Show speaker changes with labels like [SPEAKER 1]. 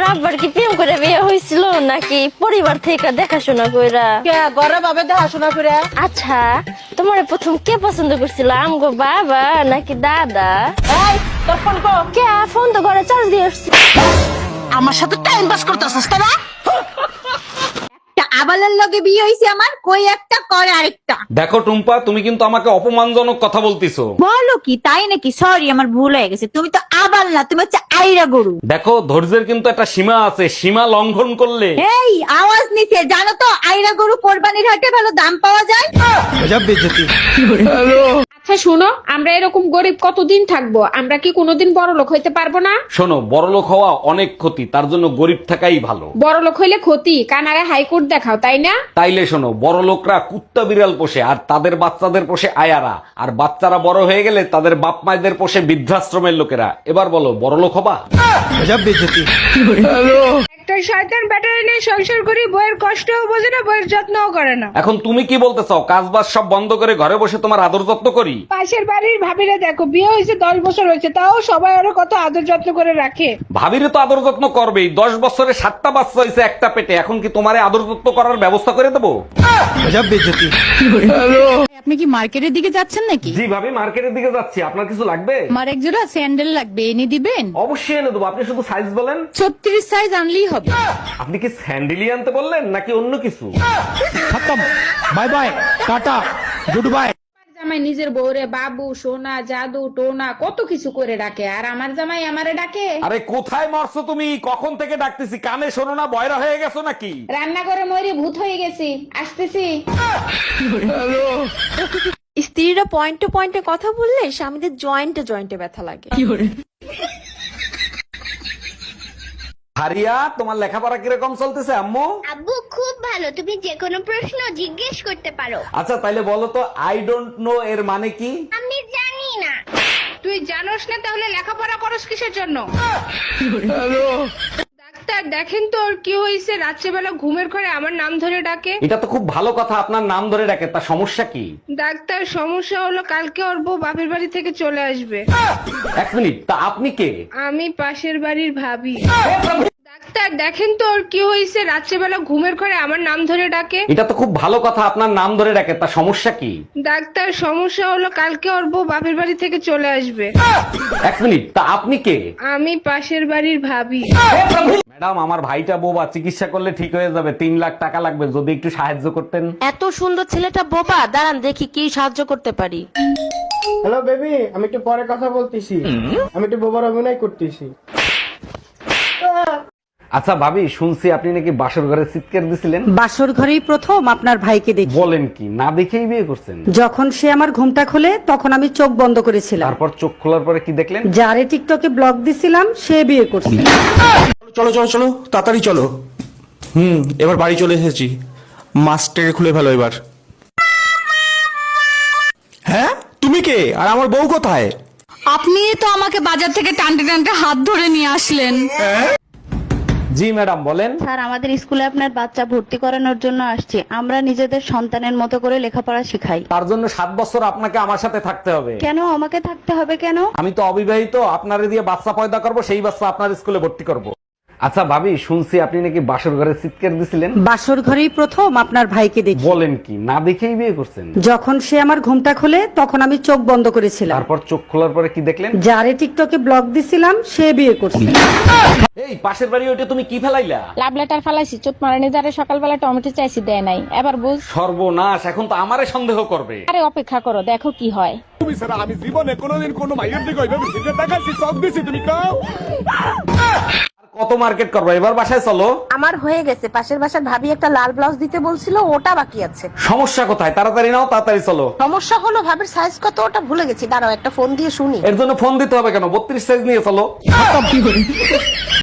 [SPEAKER 1] আব্বার কি প্রেম করে বিয়ে হয়েছিল নাকি পরিবার থেকে দেখাশোনা কইরা?
[SPEAKER 2] ঘরে ভাবে দেখাশোনা করে।
[SPEAKER 1] আচ্ছা, তোমার প্রথম কে পছন্দ করছিল, আমগো বাবা নাকি দাদা?
[SPEAKER 2] এই তোর ফোন কো।
[SPEAKER 1] কে ফোন তো ঘরে চার্জ দিয়ে আসছি।
[SPEAKER 2] আমার সাথে টাইম পাস করতেছিস তোরা?
[SPEAKER 3] আবালের লগে বিয়ে হইছে আমার, কই একটা করে আরেকটা।
[SPEAKER 4] দেখো টুম্পা, তুমি কিন্তু আমাকে অপমানজনক কথা বলতিছো।
[SPEAKER 3] বলো কি, তাই নাকি? সরি, আমার ভুল হয়ে গেছে। তুমি তো আবাল না, তুমি হচ্ছে আইরা গরু।
[SPEAKER 4] দেখো, ধৈর্যের কিন্তু একটা সীমা আছে, সীমা লঙ্ঘন করলে।
[SPEAKER 3] এই আওয়াজ নিচে, জানো তো আইরা গরু কোরবানির হাটে ভালো দাম পাওয়া যায়।
[SPEAKER 5] আচ্ছা শুনো, আমরা এরকম গরিব কতদিন থাকবো? আমরা কি কোনোদিন বড় লোক হইতে পারবো না?
[SPEAKER 4] শোনো, বড়লোক হওয়া অনেক ক্ষতি, তার জন্য গরিব থাকাই ভালো।
[SPEAKER 5] বড় লোক হইলে ক্ষতি, কানারে হাইকোর্ট দেখাও, তাই না?
[SPEAKER 4] তাইলে শোনো, বড় লোকরা কুত্তা বিড়াল পোষে আর তাদের বাচ্চাদের পোষে আয়ারা, আর বাচ্চারা বড় হয়ে গেলে তাদের বাপ মায়েদের পোষে বৃদ্ধাশ্রমের লোকেরা। এবার বলো, বড় লোক হবা?
[SPEAKER 5] একটা শয়তান ব্যাটারি নিয়ে সংসার করি, বইয়ের কষ্টও বোঝে না, বইয়ের যত্নও করে না।
[SPEAKER 4] এখন তুমি কি বলতে চাও, কাজ বাজ সব বন্ধ করে ঘরে বসে তোমার আদর যত্ন করি?
[SPEAKER 5] পাশের বাড়ির ভাবিরা দেখো, বিয়ে হয়েছে 10 বছর হয়েছে, তাও সবাই আরো কত আদর যত্ন করে রাখে।
[SPEAKER 4] ভাবিরে তো আদর যত্ন করবেই, 10 বছরে 7টা বাচ্চা হয়েছে একটা পেটে, এখন কি তোমারে আদর যত্ন করার ব্যবস্থা করে দেবো?
[SPEAKER 6] আপনি কি মার্কেটের দিকে যাচ্ছেন নাকি?
[SPEAKER 4] জি ভাবি, মার্কেটের দিকে যাচ্ছি। আপনার কিছু লাগবে?
[SPEAKER 6] আমার এক জোড়া স্যান্ডেল লাগবে, এনে দিবেন?
[SPEAKER 4] অবশ্যই এনে দেবো, আপনি শুধু সাইজ বলেন।
[SPEAKER 6] 36 সাইজ আনলেই হবে।
[SPEAKER 4] আপনি কি স্যান্ডেলি আনতে বললেন নাকি অন্য কিছু?
[SPEAKER 7] Bye bye, tata, good bye.
[SPEAKER 5] জামাই নিজের বউরে বাবু, সোনা, জাদু, টোনা কত কিছু করে ডাকে, আর আমার জামাই আমারে ডাকে।
[SPEAKER 4] আরে কোথায় মরছো তুমি? কখন থেকে ডাকতেছি, কানে শোনো না? বয়রা হয়ে গেছো নাকি?
[SPEAKER 5] রান্না করে ময়ূরী ভূত হয়ে গেছি, আসতেছি।
[SPEAKER 8] স্ত্রীরা পয়েন্টে পয়েন্টে কথা বললে স্বামীদের জয়েন্টে জয়েন্টে ব্যথা লাগে।
[SPEAKER 4] হারিয়া, তোমার লেখাপড়া কিরকম চলতেছে আম্মু?
[SPEAKER 1] আব্বু খুব ভালো, তুমি যে কোনো প্রশ্ন জিজ্ঞেস করতে পারো।
[SPEAKER 4] আচ্ছা তাইলে বলো তো, আই ডোন্ট নো এর মানে কি?
[SPEAKER 1] আমি জানি না।
[SPEAKER 5] তুই জানোস না, তাহলে লেখাপড়া করস কিসের জন্য? ডাক্তার দেখেন তো ওর কি হয়েছে, রাত্রেবেলা ঘুমের ঘরে আমার নাম ধরে ডাকে।
[SPEAKER 4] এটা তো খুব ভালো কথা, আপনার নাম ধরে ডাকে, তা সমস্যা কি?
[SPEAKER 5] ডাক্তার সমস্যা হলো কালকে ওর বউ বাপের বাড়ি থেকে চলে আসবে।
[SPEAKER 4] 1 মিনিট, তা আপনি কে?
[SPEAKER 5] আমি পাশের বাড়ির ভাবি। ডাক্তার দেখেন তো ওর কি হয়েছে, রাত্রেবেলা ঘুমের ঘরে আমার নাম ধরে ডাকে।
[SPEAKER 4] এটা তো খুব ভালো কথা, আপনার নাম ধরে ডাকে, তা সমস্যা কি?
[SPEAKER 5] ডাক্তার সমস্যা হলো কালকে ওর বউ বাপের বাড়ি থেকে চলে আসবে।
[SPEAKER 4] 1 মিনিট, তা আপনি কে?
[SPEAKER 5] আমি পাশের বাড়ির ভাবি।
[SPEAKER 4] ম্যাডাম, আমার ভাইটা বোবা, চিকিৎসা করলে ঠিক হয়ে যাবে, 3 লাখ টাকা লাগবে, যদি একটু সাহায্য করতেন।
[SPEAKER 8] এত সুন্দর ছেলেটা বোবা, দাঁড়ান দেখি কি সাহায্য করতে পারি।
[SPEAKER 7] হ্যালো বেবি, আমি একটু পরে কথা বলতেছি, আমি একটু বোবার অভিনয় করতেছি।
[SPEAKER 4] আচ্ছা ভাবি, শুনছি আপনি নাকি বাসর ঘরে চিৎকার দিছিলেন।
[SPEAKER 2] বাসর ঘরেই প্রথম আপনার ভাইকে দেখি।
[SPEAKER 4] বলেন কি, না দেখেই বিয়ে করছেন?
[SPEAKER 2] যখন সে আমার ঘুমটা খোলে তখন আমি চোখ বন্ধ করেছিলাম।
[SPEAKER 4] তারপর চোখ খোলার পরে কি দেখলেন?
[SPEAKER 2] যারে টিকটকে ব্লক দিছিলাম সে বিয়ে করছে।
[SPEAKER 7] চলো চলো চলো, তাড়াতাড়ি চলো। এবার বাড়ি চলে এসেছি, মাস্কটাকে খুলে ফেলো এবার। হ্যাঁ, তুমি কে আর আমার বউ কোথায়?
[SPEAKER 6] আপনি তো আমাকে বাজার থেকে টানতে টানতে হাত ধরে নিয়ে আসলেন।
[SPEAKER 4] জি ম্যাডাম, বলেন।
[SPEAKER 9] স্যার, আমাদের স্কুলে আপনার বাচ্চা ভর্তি করানোর জন্য আসছে। আমরা নিজেদের সন্তানের মতো করে লেখাপড়া শিখাই।
[SPEAKER 4] তার জন্য 7 বছর আপনাকে আমার সাথে থাকতে হবে।
[SPEAKER 9] কেন আমাকে থাকতে হবে কেন?
[SPEAKER 4] আমি তো অবিবাহিত, আপনারে দিয়ে বাচ্চা পয়দা করব, সেই বাচ্চা আপনার স্কুলে ভর্তি করব। আচ্ছা ভাবি, শুনছি আপনি নাকি বাসর ঘরে চিৎকার দিছিলেন।
[SPEAKER 2] বাসর ঘরেই প্রথম আপনার ভাইকে দেখি।
[SPEAKER 4] বলেন কি, না দেখেই বিয়ে করছেন?
[SPEAKER 2] যখন সে আমার ঘুমটা খোলে তখন আমি চোখ বন্ধ করেছিলাম।
[SPEAKER 4] তারপর চোখ খোলার পরে কি দেখলেন?
[SPEAKER 2] যারে টিকটকে ব্লক দিছিলাম সে বিয়ে করছে।
[SPEAKER 4] এই পাশের বাড়ি ওইটা তুমি কি ফেলাইলা?
[SPEAKER 5] লাভ লেটার ফালাইছি, চোট মারানি যারে সকালবেলা টমেটো চাইছি দেয় নাই, এবার বুঝ।
[SPEAKER 4] সর্বনাশ, এখন তো আমারে সন্দেহ করবে।
[SPEAKER 5] আরে অপেক্ষা করো, দেখো কি হয়।
[SPEAKER 7] আমি জীবনে কোনোদিন কোনো মাইয়ের দিকে ওইভাবে সিগারেট দেখাচ্ছি, সব দিছি, তুমি কাও।
[SPEAKER 4] কত মার্কেট করবো, এবার বাসায় চলো।
[SPEAKER 9] আমার হয়ে গেছে, পাশের বাসার ভাবি একটা লাল ব্লাউজ দিতে বলছিল, ওটা বাকি আছে।
[SPEAKER 4] সমস্যা কোথায়? তাড়াতাড়ি নাও, তাড়াতাড়ি চলো।
[SPEAKER 9] সমস্যা হলো ভাবির সাইজ কত ওটা ভুলে গেছি, দাঁড়াও একটা ফোন দিয়ে শুনি।
[SPEAKER 4] এর জন্য ফোন দিতে হবে কেন? 32 সাইজ নিয়ে চলো।